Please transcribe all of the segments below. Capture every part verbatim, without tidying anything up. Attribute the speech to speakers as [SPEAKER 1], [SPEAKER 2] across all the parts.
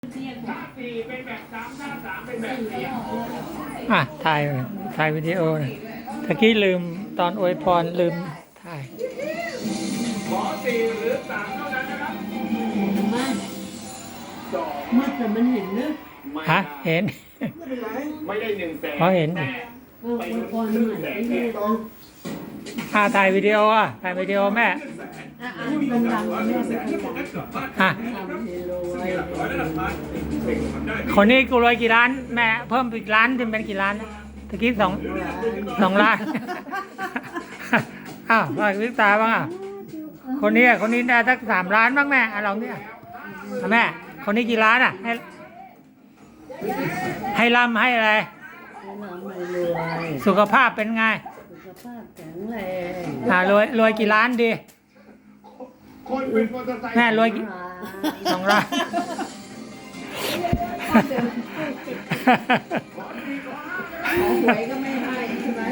[SPEAKER 1] ถ้าสี่เป็นแบบสามถ้าสามเป็นแบบเสียง
[SPEAKER 2] อ่ะถ่ายถ่ายวิดีโอนะตะกี้ลืมตอนอวยพรลืมถ่าย
[SPEAKER 1] ขอสี่หรือสามเท่านั้นนะครับ
[SPEAKER 3] มัน
[SPEAKER 1] สอง
[SPEAKER 3] มืดแต่มันเห็นเนอะ
[SPEAKER 1] ไม่
[SPEAKER 2] ฮะ
[SPEAKER 1] ได้
[SPEAKER 2] เห็น
[SPEAKER 1] ไม่ได้หนึ่งแสน
[SPEAKER 2] เขาเห็น
[SPEAKER 1] แต่
[SPEAKER 3] เอออวยพรใหม่ไม่ได้นะ
[SPEAKER 2] อ่ะถ่ายวิดีโออ่ะถ่ายวิดีโอแม่
[SPEAKER 3] อ่ะอ่ะพูดดังๆแม่ไม่ค่อยดัง
[SPEAKER 2] อ่ะ
[SPEAKER 3] ทำเฮโลไว้
[SPEAKER 2] คนนี้กูรวยกี่ล้านแม่เพิ่มอีกล้านจะเป็นกี่ล้านนะตะกี้สองสองล้าน อ้าวว่าวิตาบ้างอ่ะคนนี้อ่ะคนนี้ได้สักสามล้านบ้างแม่อ่ะลองเนี่ยอ่ะแม่คนนี้กี่ล้านอ่ะให้ให้ร่ำให้อะไร
[SPEAKER 3] ให้น้ำไม่รวย
[SPEAKER 2] สุขภาพเป็นไง
[SPEAKER 3] สุขภาพแข็งแรง
[SPEAKER 2] อ่ารวยรวยกี่ล้านดี
[SPEAKER 1] คนเป็นมอเตอร์ไซค์
[SPEAKER 2] แม่รวยกี่สองล้าน
[SPEAKER 3] หวยก็ไม่ให้ใช่ไหม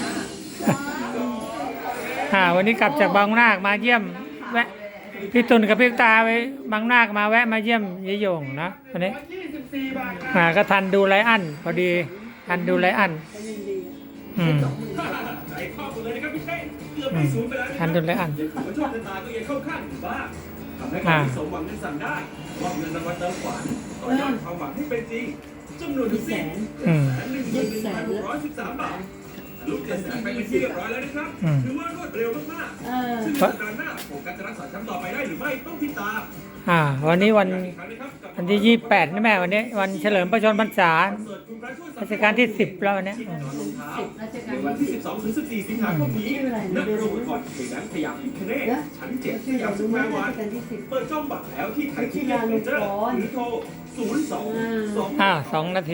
[SPEAKER 2] อ่าวันนี้กลับจากบางนาคมาเยี่ยมแวะพี่ตุลกับพี่ตาไปบางนาคมาแวะมาเยี่ยมยายโยงนะวันนี้
[SPEAKER 1] ยี่สิบสี่บาทนะ
[SPEAKER 2] อ่าก็ทันดูไลอันพอดีทันดูไลอัน
[SPEAKER 3] ก็ยังดี
[SPEAKER 2] อืม
[SPEAKER 1] ใจครอบหมดเลยนะครับพี่เต้เกือบ
[SPEAKER 2] อื
[SPEAKER 1] ไป
[SPEAKER 2] ม
[SPEAKER 1] ศูนย์ไปแล้วนะค
[SPEAKER 2] ทั
[SPEAKER 1] รั
[SPEAKER 2] น
[SPEAKER 1] บ
[SPEAKER 2] ดูไลอัน
[SPEAKER 1] ยังถือว่าโชคชะตาก็ยังเข้าข้างอยู่บ้างทำให้คนที่สมหวังนั้นสั่งได้มอบเงินรางวัลเติมขวัญต่อยอดความหวังให้เป็นจริงจำนวนทั้งสิ้น
[SPEAKER 2] อืม
[SPEAKER 1] แสนหนึ่งหมื่นหนึ่งพันหกร้อยสิบสามบาทลูกเจ็ดแสนไปเป็นที่เรียบร้อยแล้วนะครับ
[SPEAKER 2] อืม
[SPEAKER 1] ถือว่ารวดเร็วมาก
[SPEAKER 3] เออ
[SPEAKER 1] ๆซึ่งสัปดาห์หน้าผมการจะรักษาแชมป์ต่อไปได้หรือไม่ต้องติดตาม
[SPEAKER 2] อ่าวันนี้วัน
[SPEAKER 1] อีกครั้งนะครับกับ
[SPEAKER 2] วันที่ยี่สิบแปดนี่แม่วันนี้วันเฉลิมพระชนมพรรษา
[SPEAKER 1] คอนเสิร์ตคุณพระช่วยสั
[SPEAKER 2] รั
[SPEAKER 1] ตว์
[SPEAKER 2] ชกาลที่สิบแล้ววันนี้อืม
[SPEAKER 3] สิบราช
[SPEAKER 1] ใน
[SPEAKER 3] การ
[SPEAKER 1] วันที่
[SPEAKER 3] ที่
[SPEAKER 1] สิบสองถึงสิบสี่สิงหาคมนี้ณโรงละครเพลงนั้นพยายามพิคเนตชั้นเจ็ดส
[SPEAKER 3] ชื่อย
[SPEAKER 1] าม
[SPEAKER 3] เรา
[SPEAKER 1] สุ
[SPEAKER 3] รู้
[SPEAKER 1] ข
[SPEAKER 3] ไหม
[SPEAKER 1] แวร์
[SPEAKER 3] รา
[SPEAKER 1] วั
[SPEAKER 3] ช
[SPEAKER 1] น
[SPEAKER 3] การที่สิบ
[SPEAKER 1] เปิดช่องบัตรแล้วที่ไทยที่เมเจอร์หรือโทรศูนย์ สอง สอง
[SPEAKER 2] อ่าสองนาที